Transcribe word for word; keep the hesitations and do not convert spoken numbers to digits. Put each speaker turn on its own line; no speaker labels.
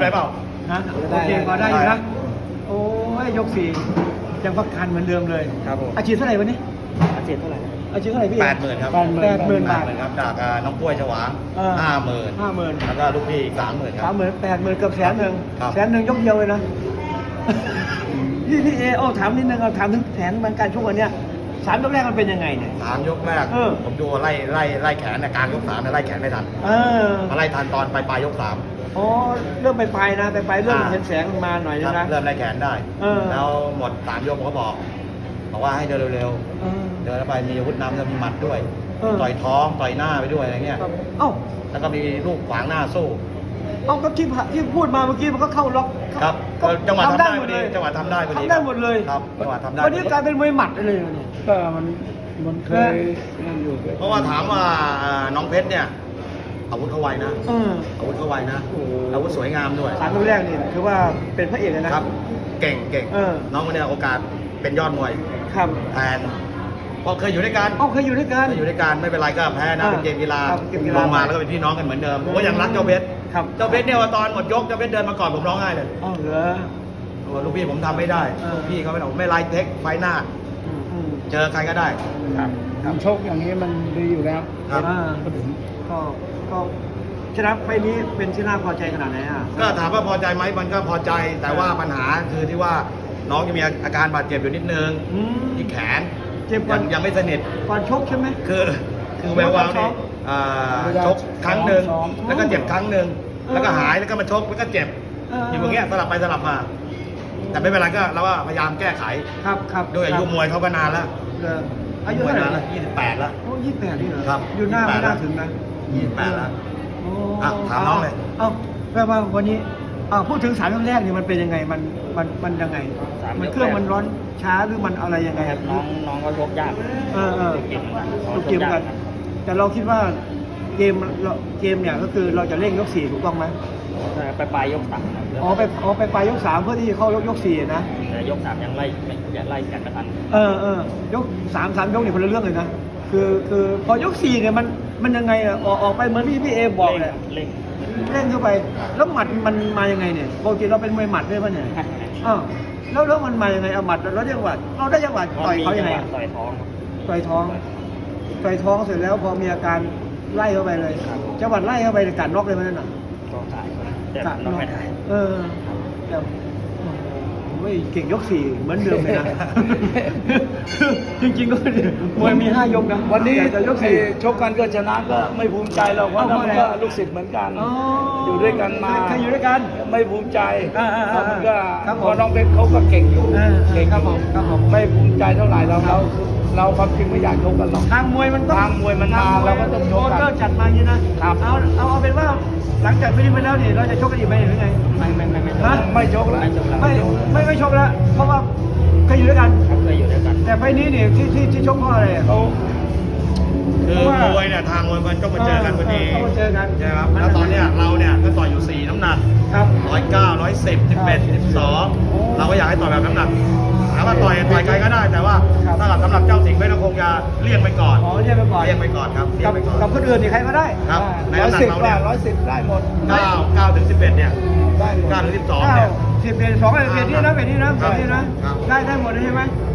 ไปเปล่า
ฮะโอเคพอได้อยู่นะโอ้ยยกสี่ยังพักคันเหมือนเดิมเลย
ครับผม
อาชีพเท่าไหร่วันนี้
อาชีพเท่าไหร่
อาชีพเท่าไหร่พี่
แปดหมื่นครับ
แปดหมื่นบาท
ครับจากน้องกล้วยฉวางห้าหมื่น
ห้าหมื่น
แล้วก็ลูกพี่อีกสามหมื่นค
สา
รั
ม
บ
หมื่นแปดหมื่นเกือบแสนหนึ่ง
ครับ
แสนหนึ่งยกเดียวเลยนะพี่พี่เอเอาถามนิดนึงเอาถามถึงแผนมันการชกวันเนี้ยสามยกแรกมันเป็นยังไงเนี่ย
สามยกแรก
เออ
ผมดูไล่ไล่ไล่แขนในกลางยกสามเนี่ยไล่แขนไม่ทัน
เออ
มาไล่ทันตอนปลายปลายยกสาม
อ๋อเริ่มไปไปนะไปไปเริ่ม
อ่า
เห็นแสงมาหน่อย
ครับ
นะ
เริ่มไล่แขนได้
เออ
แล้วหมดสามยกผมก็บอกบอกว่าให้เดินเร็ว
เออ
ๆเดินแล้วไปมีอาวุธนำแล้วมีหมัดด้วย
เออ
ต่อยท้องต่อยหน้าไปด้วยอะไรเงี้ย
ครับเอ้า
แล้วก็มีลูกขวางหน้าสู้
เอาก็ที่ที่พูดมาเมื่อกี้มันก็เข้าล็อก
ครับ
ก็
จังหวะทำได้
ห
พ
ม
อ
ด
ดี
เลย
จังหวะทำได้พอดี
ทำได้หมดเลย
ครับจังหวะทำได้
วันนี้กลายเป็นมวยหมัดเลยวันนี้
ก็มันมันเคยนั่นอยู่
เพราะว่าถามว่าน้องเพชรเนี่ยอาวุธเขาไวนะ
เออ
อาวุธเขาไวนะ
โอ้โห
อาวุธสวยงามด้วย
สามยกแรกนี่ถือว่าเป็นพระเอกเลยนะครับ
เก่งเก่ง
เออ
น้องคนเนี้ยโอกาสเป็นยอดมวย
ครับ
แทนเพราะเคยอยู่ด้วยกัน
เอ้าเคยอยู่ด้วยกัน
เคยอยู่ด้วยกันไม่เป็นไรก็แพ้นะ
อ่า
เป็นเกมกีฬา
ครับเกมกี
ล
ฬาง
มาแล้วก็เป็นพี่น้องกันเหมือนเดิมผมก็ยังรักเจ้าเพชร
ครับ
เจ้าเพชรเนี่ยว่าตอนหมดยกเจ้าเพชรเดินมาก่อนผมร้องไห้เลย
อ๋อเหรอ
โอ้ลูกพี่ผมทำไม่ได้
เออ
ลูกพี่เขาไม่ผมไม่ไล่เทคไฟหน้า
อืมอืม
เจอใครก็ได้
ครับการชกอย่างนี้มันดีอยู่แล้ว
ครับ
อ่าก็ก็ชนะไฟล์นี้เป็นที่น่าพอใจขนาดไหนอ่ะ
ก็ถามว่าพอใจไหมมันก็พอใจแต่ว่าปัญหาคือที่ว่าน้องยังมีอาการบาดเจ็บอยู่นิดนึง
อืม
ที่แขน
เจ็บก่
ยั
อน
งยังไม่สนิท
ก่อนชกใช่ไหม
คือคือแวววาวนี่อ่า
เวลา
ชกครั้งหนึ่ง
ซ้อม
แล้วก็เจ็บครั้งหนึ่ง
เออ
แล้วก็หายแล้วก็มาชกแล้วก็เจ็บ
เออ
อ
อ
ยู่อย่างเงี้ยสลับไปสลับมา แต่ไม่เป็นไรก็เราว่าพยายามแก้ไข
ครับครับ
ด้วยอายุมวยเขาก็นานแล้ว
เหรออายุเท่าไหร่
นานแล้วยี่สิบแปดแล้ว
โอ้ยี่สิบแปดนี่เหรอ
ครับ
อยู่หน้าไม่น่าถึงนะ
ยี่สิบแปดแล้ว
โอ้
อ่ะถามน้องเลย
เอ้าแปลว่าวันนี้อ่าพูดถึงสามยกแรกนี่มันเป็นยังไงมันมันมันยังไง
สามยกแรก
มันเครื่องมันร้อนช้าหรือมันอะไรยังไง
น้องน้องก็ชกยาก
เออเออ
เกมเหมือนกัน
ทุกเกมกัน แต่เราคิดว่าเกมเราเกมเนี่ยก็คือเราจะเร่งยกสี่ถูกต้องไหม
ไปปลายยกสาม
อ๋อไปอ๋อไปปลายยกสามเพื่อที่จะเข้ายกยกสี่นะ
แต่ยกสามยังไล่ไม่ยังไล่กันไม่ทัน
เออเออยกสามสามยกนี่คนละเรื่องเลยนะคือคือพอยกสี่เนี่ยมันมันยังไงอะออกออกไปเหมือนที่พี่เอบอกแหละ
เร่ง
เร่งเข้าไปแล้วหมัดมันมายังไงเนี่ยปกติเราเป็นมวยหมัดด้วยป่ะเนี่ยอ้าวแล้วแล้วมันมายังไงเอาหมัดแล้วจังหวะเราได้จังหวะต่อยเขายังไงอะ
ต่อยท้อง
ต่อยท้องต่อยท้องเสร็จแล้วพอมีอาการไล่เข้าไปเลยจังหวะไล่เข้าไปกัดน็อกเลยมันนั่นน่ะ
ก็ขายแต่
กัด
น้องไม่ได้
เออแต่โอ้ยเก่งยกสี่เหมือนเดิมเลยนะ จริงๆก็มวยมีห้ายกนะ
วันนี้
แต่จะยกสี่
ไอ้ชกกันก็ชนะก็ไม่ภูมิใจหรอกเพราะ
เอา
นั่นมัน
เพราะ
ก็
อะไร
ลูกศิษย์เหมือนกัน
อ๋อ
อ
อยู่
ด้วยกันมา
เคยอยู่ด้วยกัน
ไม่ภูมิใจ
อ่าๆๆ
เพราะมันก็
ครับผม
เพราะน้องเพชรเขาก็เก่งอยู่
เออ
เก่ง
ครับผมครับผม
ไม่ภูมิใจเท่าไหร่เราเราเราความจริงไม่อยากชกกันหรอก
ทางมวยมันต้อง
ทางมวยมันมา
ท
เราก็ต้องชกกัน
โปรโมเตอร์จัดมาอย่างนี้นะครับ เอาเอาเอาเป็นว่าหลังจากฟิลิปไปแล้วนี่เราจะชกกันอีกไหมหรือไง
ไม่ไม่ไม่ไม่
ฮะ
ไม่ชกแล้ว
ไม่จบแล้ว
ไม่ไม่ไม่ชกแล้ว เพราะว่าเคยอยู่ด้วยกัน
ครับเคยอยู่ด้วยกัน
แต่ไฟล์นี้นี่ที่ที่ที่ชกเพราะอะไรอะ
เขา
คือ
เพราะว่า
มวยเนี่ยทางมวยมันต้องมาเจอกันพอดี
เออต้องมาเจอกัน
ใช่ครับแล้วตอนเนี้ยเราเนี่ยก็ต่อยอยู่สี่น้ำหนัก
ครับ
ร้อยเก้าร้อยสิบสิบเอ็ดสิบสองเราก็อยากให้ต่อยแบบน้ำหนักถามว่าต่อยต่อยใครก็ได้ แต่ว่า
ครับ
ถ้าสำหรับเจ้าสิงห์เพชรก็คงจะเลี่ยงไปก่อน
อ๋อเรียกไปก่อน
เลี่ยงไปก่อนครับเลี่ย
กั
ง
บ
ไปก่อน
กับคนอื่นนี่ใครก็ได้
ครับใน
ร้อย
น้ำหนัก
สิบ
เรา
ได้
เนี่ย
ร้อยสิบได้หมด
เก้าเก้าถึงสิบเอ็ดเนี่ย
ได้หมด
เก้าถึงสิบสอง
เก้า
เนี่ย
สิบเอ็ดสองเอ็ดเอ็ดนี่นะเอ็ดนี่นะ
ครั
เอ็
บ
ดนี่นะครับ ได้ได้หมดเลยใช่ไหม